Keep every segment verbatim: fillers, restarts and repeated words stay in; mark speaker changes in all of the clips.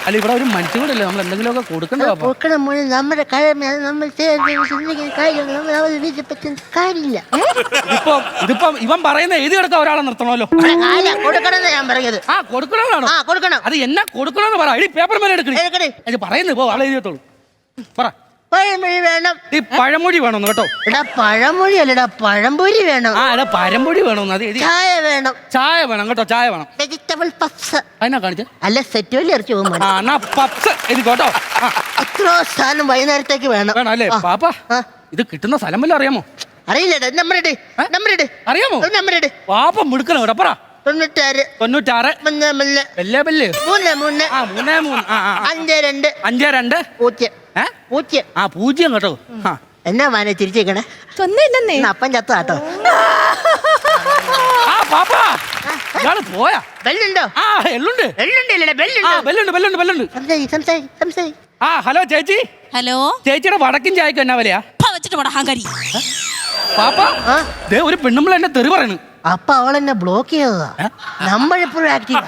Speaker 1: അല്ല ഇവിടെ ഒരു മനുഷ്യൻ കൂടെ നമ്മൾ എന്തെങ്കിലുമൊക്കെ കൊടുക്കണ്ടോ
Speaker 2: കൊടുക്കണം മോനെ. നമ്മുടെ കാര്യമില്ല. നമ്മൾ കാര്യമില്ല.
Speaker 1: ഇതിപ്പോ ഇതിപ്പോ ഇവൻ പറയുന്ന എഴുതി എടുക്കാൻ ഒരാളെ നിർത്തണമല്ലോ.
Speaker 2: കൊടുക്കണം ഞാൻ പറഞ്ഞത്.
Speaker 1: ആ കൊടുക്കണമെന്നാണോ?
Speaker 2: ആ കൊടുക്കണം.
Speaker 1: അത് എന്നാ കൊടുക്കണമെന്ന് പറ. ഈ പേപ്പർ മേലെ എടുക്കണേ. അത് പറയുന്നത് പോ, ആളെ എഴുതിയത്തോളൂ. പറ.
Speaker 2: പഴമൊഴി വേണം.
Speaker 1: ഈ പഴമൊഴി വേണമെന്ന് കേട്ടോ.
Speaker 2: എടാ പഴമൊഴി അല്ലടാ, പഴംപൊരി വേണം.
Speaker 1: ആ എടാ പഴംപൊരി വേണമെന്ന്. അത് എഴുതി.
Speaker 2: ചായ വേണം.
Speaker 1: ചായ വേണം കേട്ടോ, ചായ വേണം.
Speaker 2: Vegetable puffs.
Speaker 1: അതിനാ കാണിച്ചേ.
Speaker 2: അല്ല സെറ്റ് വലിയ ഇറച്ചി പോകുമ്പോൾ
Speaker 1: ആ എന്നാ പപ്സ് എഴുതി കേട്ടോ.
Speaker 2: എത്രയോ സാധനം വൈകുന്നേരത്തേക്ക് വേണം.
Speaker 1: വേണം അല്ലേ പാപ്പ? ഇത് കിട്ടുന്ന സ്ഥലം വല്ലതും അറിയാമോ?
Speaker 2: അറിയില്ലടാ. നമ്പർ ഇട്, നമ്പർ ഇട്.
Speaker 1: അറിയാമോ?
Speaker 2: നമ്പർ ഇട്.
Speaker 1: പാപ്പ മിടുക്കണം കേട്ടോ. പറ.
Speaker 2: തൊണ്ണൂറ്റാറ്
Speaker 1: തൊണ്ണൂറ്റാറ്
Speaker 2: മൂന്ന് മൂന്ന്
Speaker 1: ബെല്ലേ ബെല്ല്
Speaker 2: മൂന്ന് മൂന്ന്
Speaker 1: ആ മൂന്നേ മൂന്ന് ആ
Speaker 2: അഞ്ച് രണ്ട്
Speaker 1: അഞ്ച് രണ്ട്
Speaker 2: പൂജ്യം
Speaker 1: ഏ
Speaker 2: പൂജ്യം
Speaker 1: ആ പൂജ്യം കേട്ടോ.
Speaker 2: എന്നാ മാനെ ചിരിച്ചേക്കണേ?
Speaker 3: ഒന്നുമില്ലെന്നേ.
Speaker 2: അപ്പം ചത്ത കേട്ടോ.
Speaker 1: ആ പാപ്പ ഇയാള് പോയാ?
Speaker 2: ബെല്ലുണ്ടോ?
Speaker 1: ആ എള്ളുണ്ട്.
Speaker 2: ബെല്ലുണ്ട്
Speaker 1: ആ ബെല്ലുണ്ട് ബെല്ലുണ്ട് ബെല്ലുണ്ട്.
Speaker 2: സംസാരി സംസാരി സംസാരി.
Speaker 1: ആ ഹലോ ചേച്ചി.
Speaker 3: ഹലോ.
Speaker 1: ചേച്ചിയുടെ വടക്കും ചായക്ക് എന്നാ വിലയാ?
Speaker 3: വെച്ചിട്ട് പോടാ ഹങ്കാരി.
Speaker 1: പാപ്പ ദേ ഒരു പെണ്ണുമ്പോൾ എന്നെ തെറി പറയണു.
Speaker 2: അപ്പൊ അവളെന്നെ ബ്ലോക്ക് ചെയ്തതാ. നമ്മളെപ്പോഴും ആക്റ്റീവാ.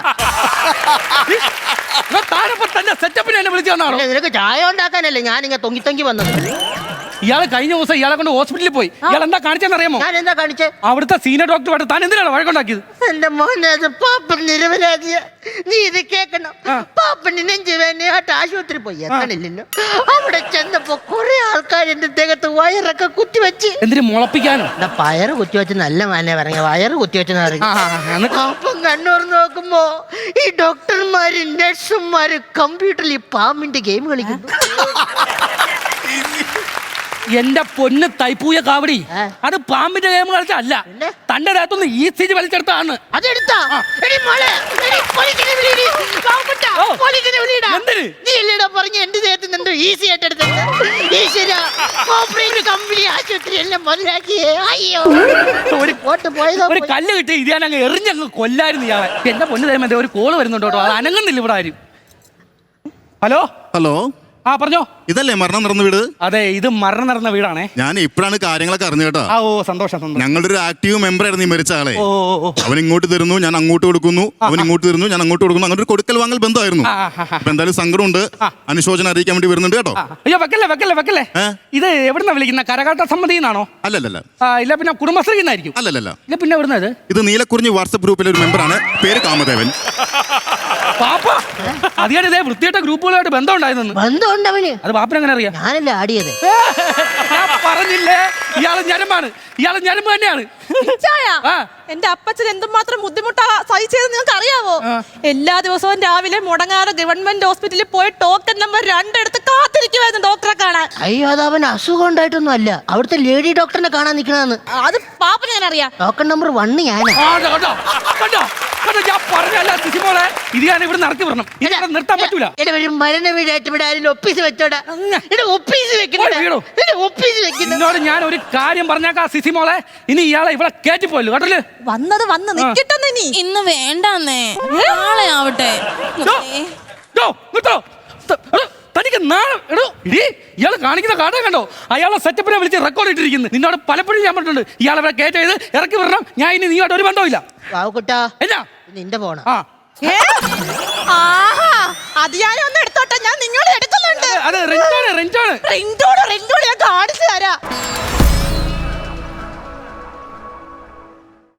Speaker 1: താനപ്പോ തന്നെ സെറ്റപ്പിന് എന്നെ വിളിച്ചു വന്നാണോ?
Speaker 2: നിനക്ക് ചായ ഉണ്ടാക്കാനല്ലേ ഞാനിങ്ങനെ തൊങ്ങി തൊങ്ങി വന്നത്.
Speaker 1: ഇയാളെ കഴിഞ്ഞ ദിവസം ഇയാളെ കൊണ്ട് ഹോസ്പിറ്റലിൽ പോയി. ഇയാൾ എന്താ കാണിച്ചെന്നറിയാമോ?
Speaker 2: ഞാൻ എന്താ കാണിച്ചേ?
Speaker 1: അവിടുത്തെ സീനിയർ ഡോക്ടർ താൻ എന്തിനാണ് വഴക്കുണ്ടാക്കിയത്?
Speaker 2: എന്റെ മോനെ അത് പാപ്പൻ നിരപരാധിയ. നീ ഇത് കേക്കണം. പാപ്പന് നെഞ്ചു വേനയായിട്ട് ആശുപത്രി പോയി എത്തണില്ലല്ലോ. അവിടെ ചെന്നപ്പോ കുറെ ആൾക്കാർ എന്റെ ദേഹത്ത് വയറൊക്കെ കുത്തിവെച്ച്.
Speaker 1: എന്തിനു മുളപ്പിക്കാനോ?
Speaker 2: പയറ് കുത്തിവെച്ച് നല്ല മാനെ പറഞ്ഞ വയറ് കുത്തിവെച്ചെന്ന് പറഞ്ഞു. അപ്പം കണ്ണൂർ നോക്കുമ്പോ ഈ ഡോക്ടർമാര് നഴ്സുമാര് കമ്പ്യൂട്ടറിൽ ഈ പാമ്പിന്റെ ഗെയിം കളിക്കുന്നു.
Speaker 1: എന്റെ പൊന്ന് തൈപ്പൂയ കാവടി, അത് പാമ്പിന്റെ ഗെയിം കളിച്ചല്ല, തന്റെ ദേഹത്തൊന്ന് ഈ സ്ഥിതി വലിച്ചെടുത്താണ്.
Speaker 2: അതെടുത്താ പറഞ്ഞ എന്റെ ദേഹത്ത് എന്തോ ഈസി ആയിട്ട് എടുത്തത്. കമ്പനി ആശുപത്രി എല്ലാം മുതലാക്കിയേ. അയ്യോ ഒരു പോട്ട് പോയതോ.
Speaker 1: ഒരു കല്ല് കിട്ടി ഇത് ഞാൻ അങ്ങ് എറിഞ്ഞങ്ങ് കൊല്ലായിരുന്നു ഇയാളെ. എന്റെ പൊന്ന് തരുമ്പോ ഒരു കോള് വരുന്നുണ്ടോ കേട്ടോ. അത് അനങ്ങുന്നില്ല ഇവിടെ ആരും. ഹലോ
Speaker 4: ഹലോ
Speaker 1: ആ പറഞ്ഞോ.
Speaker 4: ഇതല്ലേ മരണം നടന്ന വീട്?
Speaker 1: അതെ ഇത് മരണം നടന്ന വീടാണേ.
Speaker 4: ഞാൻ ഇപ്പോഴാണ് കാര്യങ്ങളൊക്കെ അറിഞ്ഞു കേട്ടോ.
Speaker 1: ആ ഓ സന്തോഷം സന്തോഷം.
Speaker 4: ഞങ്ങളുടെ ഒരു ആക്റ്റീവ് മെമ്പർ ആയിരുന്നു ഈ മരിച്ച ആളെ.
Speaker 1: ഓ
Speaker 4: അവൻ ഇങ്ങോട്ട് തരുന്നു, ഞാൻ അങ്ങോട്ട് കൊടുക്കുന്നു, അവൻ ഇങ്ങോട്ട് തരുന്നു, ഞാൻ അങ്ങോട്ട് കൊടുക്കുന്നു. അങ്ങനെ ഒരു കൊടുക്കൽ വാങ്ങൽ ബന്ധമായിരുന്നു. അപ്പൊ എന്തായാലും സങ്കടമുണ്ട്, അനുശോചനം അറിയിക്കാൻ വേണ്ടി വരുന്നുണ്ട് കേട്ടോ.
Speaker 1: അയ്യോ വെക്കല്ലേ വെക്കല്ലേ വെക്കല്ലേ. ഇത് എവിടുന്ന വിളിക്കുന്ന? കരകാട്ട സമിതി എന്നാണോ?
Speaker 4: അല്ലല്ല.
Speaker 1: ഇല്ല പിന്നെ കുടുംബശ്രീ എന്നായിരിക്കും.
Speaker 4: അല്ലല്ല.
Speaker 1: ഇല്ല പിന്നെ എവിടുന്നത്?
Speaker 4: ഇത് നീലക്കുറിഞ്ഞി വാട്സ്ആപ്പ് ഗ്രൂപ്പിലെ ഒരു മെമ്പറാണ്, പേര് കാമദേവൻ.
Speaker 1: പാപ്പ അതിയാണ് ഇതേ വൃത്തിയായിട്ട ഗ്രൂപ്പുകളായിട്ട് ബന്ധം ഉണ്ടായിരുന്നു.
Speaker 2: ബന്ധമുണ്ടവന്.
Speaker 1: അത് പാപ്പൻ എങ്ങനെ അറിയാം?
Speaker 2: ഞാനല്ലേ ആടിയത്.
Speaker 1: ഞാൻ പറഞ്ഞില്ലേ ഇയാള് ഞരമ്പാണ്, ഇയാള് ഞരമ്പ് തന്നെയാണ്.
Speaker 3: എന്റെ അപ്പച്ചൻ എന്തുമാത്രം ബുദ്ധിമുട്ടാ സഹിച്ചത് നിങ്ങൾക്ക് അറിയാവോ? എല്ലാ ദിവസവും രാവിലെ മുടങ്ങാതെ ഗവൺമെന്റ് ഹോസ്പിറ്റലിൽ പോയി ടോക്കൺ നമ്പർ രണ്ടെടുത്ത് കാത്തിരിക്കുവായിരുന്നു ഡോക്ടറെ കാണാൻ.
Speaker 2: അയ്യോ അത് അവൻ അസുഖം ഉണ്ടായിട്ടൊന്നും അല്ല, അവിടുത്തെ ലേഡി ഡോക്ടറിനെ കാണാൻ നിൽക്കണെന്ന്.
Speaker 3: അത് പാപ്പന് ഞാൻ അറിയാം.
Speaker 2: ടോക്കൺ നമ്പർ വണ്ണ് ഞാനാ.
Speaker 1: ഞാൻ പറഞ്ഞല്ല സിസിമോളെ, ഇത് ഞാൻ ഇവിടെ നടത്തി വരണം. ഇതിനെ നിർത്താൻ പറ്റൂല.
Speaker 2: മരണ വീടായിട്ട് ഇവിടെ ആരും ഒപ്പീസ് വെച്ചോടാ. ഒപ്പീസ് വെക്കണോ? ഒപ്പീസ് വെക്കുന്നു.
Speaker 1: എന്നോട് ഞാൻ ഒരു കാര്യം പറഞ്ഞേക്കാ സിസിമോളെ, ഇനി ഇയാളെ ഇവിടെ കയറ്റിപ്പോയല്ലോ കേട്ടല്ലേ.
Speaker 3: വന്നത് വന്ന് നിൽക്കട്ടെന്ന്. ഇനി
Speaker 5: ഇന്ന് വേണ്ടെന്നേ, നാളെ ആവട്ടെ.
Speaker 1: തനിക്ക് നാളെ എടോ ഇടി ഇയാൾ കാണിക്കുന്ന കാട്ടം കണ്ടോ? അയാളെ സെറ്റപ്പിനെ വിളിച്ച് റെക്കോർഡ് ഇട്ടിരിക്കുന്നു. നിന്നോട് പലപ്പോഴും ഞാൻ പറഞ്ഞിട്ടുണ്ട് ഇയാളെ ഇവിടെ കയറ്റ് ചെയ്ത് ഇറക്കി വരണം. ഞാൻ ഇനി നീയോട്ട് ഒരു ബന്ധമില്ല. എന്നാ
Speaker 2: നിന്റെ ഫോണാ?
Speaker 3: അത് ഞാൻ ഒന്ന് എടുത്തോട്ടെ, ഞാൻ നിങ്ങളെ എടുക്കുന്നുണ്ട്.
Speaker 1: അത് റിംഗ്ടോണ് റിംഗ്ടോണ്
Speaker 3: റിംഗ്ടോണ് റിംഗ്ടോണ് ഞാൻ കാണിച്ചു തരാം.